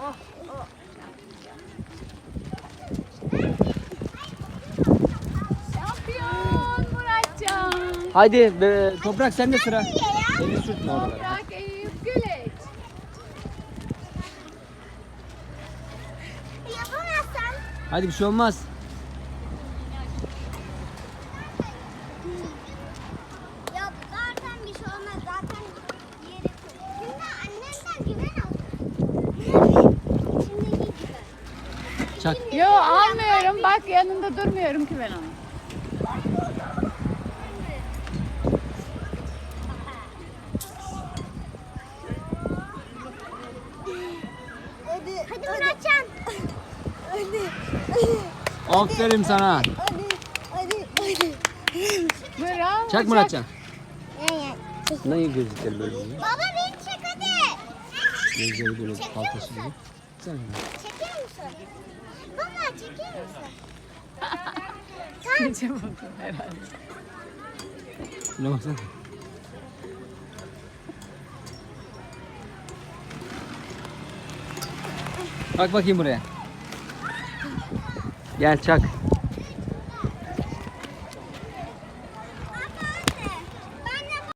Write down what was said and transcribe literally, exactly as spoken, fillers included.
Şampiyon Muratcan. Haydi be, Toprak sende sıra. Elini sürtme oralara. Toprak Eyüp Güleç. Yapamazsan. Hadi bir şey olmaz. Yok zaten bir şey olmaz. Zaten yeri koy. Şimdi annemden güven al. Şimdiki güven. Çak. Yo almıyorum. Bak yanında durmuyorum ki ben onu. Hadi. Hadi Muratcan. Hadi. Aferin sana. Hadi. Hadi. Hadi. Bravo. Çak Muratcan. Gel gel. Ne gözlükleri böyle oluyor? Baba beni çek hadi. Gözleri böyle paltosu gibi. Sen Çeker misin? Baba çeker misin? Gece buldum herhalde. ne baksana. Bak bakayım buraya. Gel çak.